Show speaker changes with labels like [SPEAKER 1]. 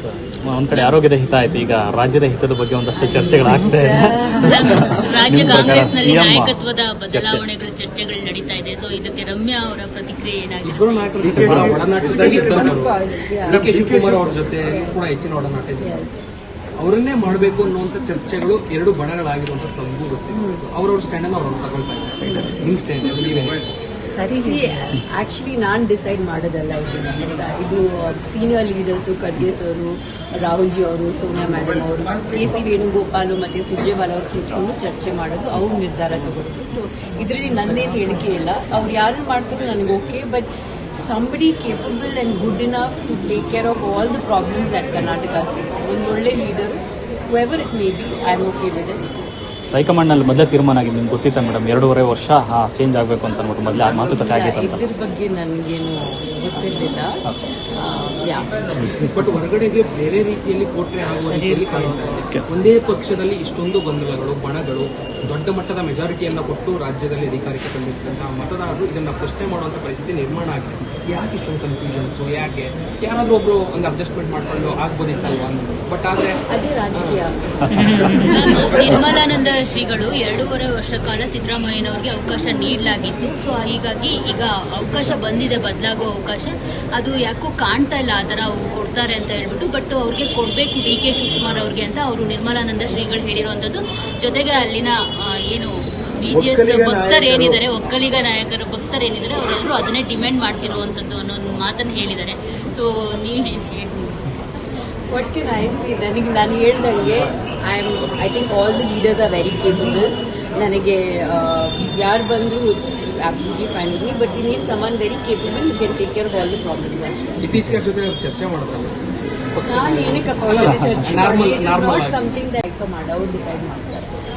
[SPEAKER 1] ಒಂದ್ ಕಡೆ ಆರೋಗ್ಯದ ಹಿತ ಆಯ್ತು, ಈಗ ರಾಜ್ಯದ ಹಿತದ ಬಗ್ಗೆ ಒಂದಷ್ಟು ಚರ್ಚೆಗಳಾಗ್ತಾ ಇದೆ.
[SPEAKER 2] ರಾಜ್ಯ
[SPEAKER 1] ನಿಮ್ಮ ಪ್ರಕಾರ
[SPEAKER 2] ಕಾಂಗ್ರೆಸ್ನಲ್ಲಿ
[SPEAKER 1] CM
[SPEAKER 2] ನಾಯಕತ್ವದ ಬದಲಾವಣೆಗಳ ಚರ್ಚೆಗಳು ನಡೀತಾ ಇದೆ. ಸೊ ಇದಕ್ಕೆ ರಮ್ಯಾ ಅವರ ಪ್ರತಿಕ್ರಿಯೆ ಏನಾಗಿದೆ?
[SPEAKER 3] ಇಬ್ಬರು ನಾಯಕರು ಒಡನಾಟದಲ್ಲಿ ಇದ್ದಂಥವ್ರು. ಡಿ.ಕೆ. ಶಿವಕುಮಾರ್ ಅವ್ರ ಜೊತೆ ಕೂಡ ಹೆಚ್ಚಿನ ಒಡನಾಟ ಇದೆ. ಅವರನ್ನೇ ಮಾಡಬೇಕು ಅನ್ನುವಂಥ ಚರ್ಚೆಗಳು ಎರಡು ಬಣಗಳಾಗಿರುವಂತ ನಮಗೂ ಗೊತ್ತಿದೆ. ಅವ್ರವ್ರ ಸ್ಟ್ಯಾಂಡ್ ಅನ್ನು ಅವ್ರವ್ರು ತಗೊಳ್ತಾ ಇದ್ದಾರೆ. ನಿಮ್ ಸ್ಟ್ಯಾಂಡ್ ನೀವೇ
[SPEAKER 4] ಸರಿ, ಆಕ್ಚುಲಿ ನಾನು ಡಿಸೈಡ್ ಮಾಡೋದಲ್ಲ ಇದು senior leaders, Kharge sir, Rahul ji ಅವರು, ಸೋನಿಯಾ ಮೇಡಮ್ ಅವರು, ಕೆ ಸಿ ವೇಣುಗೋಪಾಲ್ ಮತ್ತು ಸುರ್ಜೇವಾಲ ಅವರು ಕೂತ್ಕೊಂಡು ಚರ್ಚೆ ಮಾಡೋದು, ಅವ್ರು ನಿರ್ಧಾರ ತಗೊಳ್ಳೋದು. ಸೊ ಇದರಲ್ಲಿ ನನ್ನೇನು ಹೇಳಿಕೆ ಇಲ್ಲ. ಅವ್ರು ಯಾರನ್ನು ಮಾಡ್ತಾರೋ ನನಗೆ okay, but somebody capable and good enough to take care of all the problems that Karnataka is facing. ಒಂದು ಒಳ್ಳೆ leader, whoever it may be, I am okay with it. So
[SPEAKER 1] high command ನಲ್ಲಿ ಮೊದಲೇ ತೀರ್ಮಾನ ಆಗಿದೆ, ನಿಮ್ಗೆ ಗೊತ್ತಿತ್ತ ಮೇಡಮ್? 2.5 ವರ್ಷ change ಆಗಬೇಕು ಅಂತ ಅನ್ಬಿಟ್ಟು ಮೊದಲೇ ಮಾತುಕತೆ ಆಗಿತ್ತು ಅಂತ.
[SPEAKER 4] ಇದ್ರ ಬಗ್ಗೆ ನನಗೇನು ಗೊತ್ತಿರಲಿಲ್ಲ.
[SPEAKER 3] ಬಟ್ ಹೊರಗಡೆಗೆ ಬೇರೆ ರೀತಿಯಲ್ಲಿ ಪೋಟ್ರೆ ಆಗುವ ರೀತಿಯಲ್ಲಿ ಕಾಣ್ತಾ ಇದೆ. ಒಂದೇ ಪಕ್ಷದಲ್ಲಿ ಇಷ್ಟೊಂದು ಗೊಂದಲಗಳು, ಬಣಗಳು, ದೊಡ್ಡ ಮಟ್ಟದ ಮೆಜಾರಿಟಿಯನ್ನ ಕೊಟ್ಟು ರಾಜ್ಯದಲ್ಲಿ ಅಧಿಕಾರಕ್ಕೆ ತಂದಿರ್ತಂತಹ ಮತದಾರರು ಇದನ್ನ ಪ್ರಶ್ನೆ ಮಾಡುವಂತ ಪರಿಸ್ಥಿತಿ ನಿರ್ಮಾಣ ಆಗಿದೆ. ಯಾಕೆ ಇಷ್ಟೊಂದು ಕನ್ಫ್ಯೂಷನ್ಸ್? ಯಾಕೆ ಯಾರಾದ್ರೂ ಒಬ್ರು ಒಂದು ಅಡ್ಜಸ್ಟ್ಮೆಂಟ್ ಮಾಡ್ಕೊಂಡು ಆಗ್ಬೋದಿತ್ತಲ್ವಾ ಅನ್ನೋದು. ಬಟ್ ಆದ್ರೆ
[SPEAKER 4] ಅದೇ ರಾಜಕೀಯ.
[SPEAKER 2] ನಿರ್ಮಲಾನಂದ ಶ್ರೀಗಳು 2.5 ವರ್ಷ ಕಾಲ ಸಿದ್ದರಾಮಯ್ಯನವರಿಗೆ ಅವಕಾಶ ನೀಡಲಾಗಿತ್ತು. ಸೊ ಹೀಗಾಗಿ ಈಗ ಅವಕಾಶ ಬಂದಿದೆ, ಬದಲಾಗೋ ಅವಕಾಶ. ಅದು ಯಾಕೋ ಕಾಣ್ತಾ ಇಲ್ಲ ಆ ಥರ ಅವ್ರು ಕೊಡ್ತಾರೆ ಅಂತ ಹೇಳ್ಬಿಟ್ಟು. ಬಟ್ ಅವ್ರಿಗೆ ಕೊಡಬೇಕು ಡಿ.ಕೆ. ಶಿವಕುಮಾರ್ ಅವ್ರಿಗೆ ಅಂತ ಅವರು ನಿರ್ಮಲಾನಂದ ಶ್ರೀಗಳು ಹೇಳಿರುವಂಥದ್ದು. ಜೊತೆಗೆ ಅಲ್ಲಿನ ಏನು BJS ಭಕ್ತರು ಏನಿದ್ದಾರೆ, ಒಕ್ಕಲಿಗ ನಾಯಕರ ಭಕ್ತರು ಏನಿದ್ದಾರೆ, ಅವರೆಲ್ಲರೂ ಅದನ್ನೇ ಡಿಮ್ಯಾಂಡ್ ಮಾಡ್ತಿರುವಂಥದ್ದು ಅನ್ನೋ ಒಂದು ಮಾತನ್ನು ಹೇಳಿದ್ದಾರೆ. ಸೊ ನೀವೇನು ಹೇಳ್ತೀವಿ?
[SPEAKER 4] What can I say? ನನಗೆ ನಾನು ಹೇಳ್ದಂಗೆ I think all the leaders are very capable. ನನಗೆ ಯಾರು ಬಂದರೂ it's absolutely fine with me, but we need someone very capable who can take care of all the problems ಅಷ್ಟೇ.
[SPEAKER 3] ಇತ್ತೀಚೆಗೆ ಜೊತೆ ಚರ್ಚೆ ಮಾಡ್ತಾರೆ.
[SPEAKER 4] ನಾನು ಏನಕ್ಕೆ ಚರ್ಚೆ ಮಾಡಿ, ಸಮಥಿಂಗ್ ದಟ್ ಅವ್ರು ಡಿಸೈಡ್ ಮಾಡ್ತಾರೆ.